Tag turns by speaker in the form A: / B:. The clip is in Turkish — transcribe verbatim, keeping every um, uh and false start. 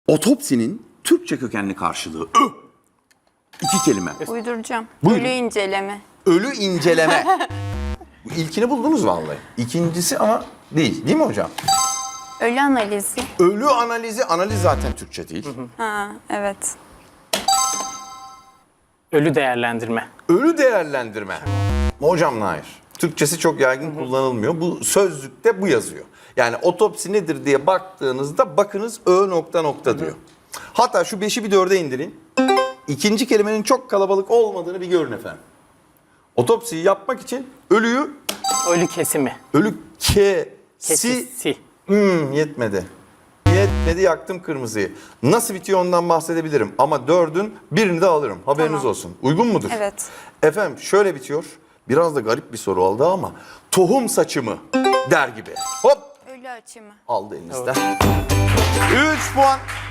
A: Otopsinin Türkçe kökenli karşılığı Ö. İki kelime.
B: Uyduracağım.
A: Buyurun.
B: Ölü inceleme.
A: Ölü inceleme. Bu İlkini buldunuz vallahi. İkincisi ama değil. Değil mi hocam?
B: Ölü analizi.
A: Ölü analizi, analiz zaten Türkçe değil.
B: Ha, evet.
C: Ölü değerlendirme.
A: Ölü değerlendirme. Hocam hayır. Türkçesi çok yaygın kullanılmıyor. Bu sözlükte bu yazıyor. Yani otopsi nedir diye baktığınızda bakınız Ö nokta nokta diyor. Hatta şu beşi bir dörde indirin. İkinci kelimenin çok kalabalık olmadığını bir görün efendim. Otopsiyi yapmak için ölüyü,
C: Ölü kesimi.
A: ölü kesi,
C: Kesisi.
A: hmm, yetmedi. Yetmedi, yaktım kırmızıyı. Nasıl bitiyor ondan bahsedebilirim ama dördün birini de alırım. Haberiniz
B: Tamam.
A: olsun. Uygun mudur?
B: Evet.
A: Efendim şöyle bitiyor. Biraz da garip bir soru oldu ama tohum saçımı der gibi. Hop
B: Ölü açımı.
A: aldı elinizden. üç puan.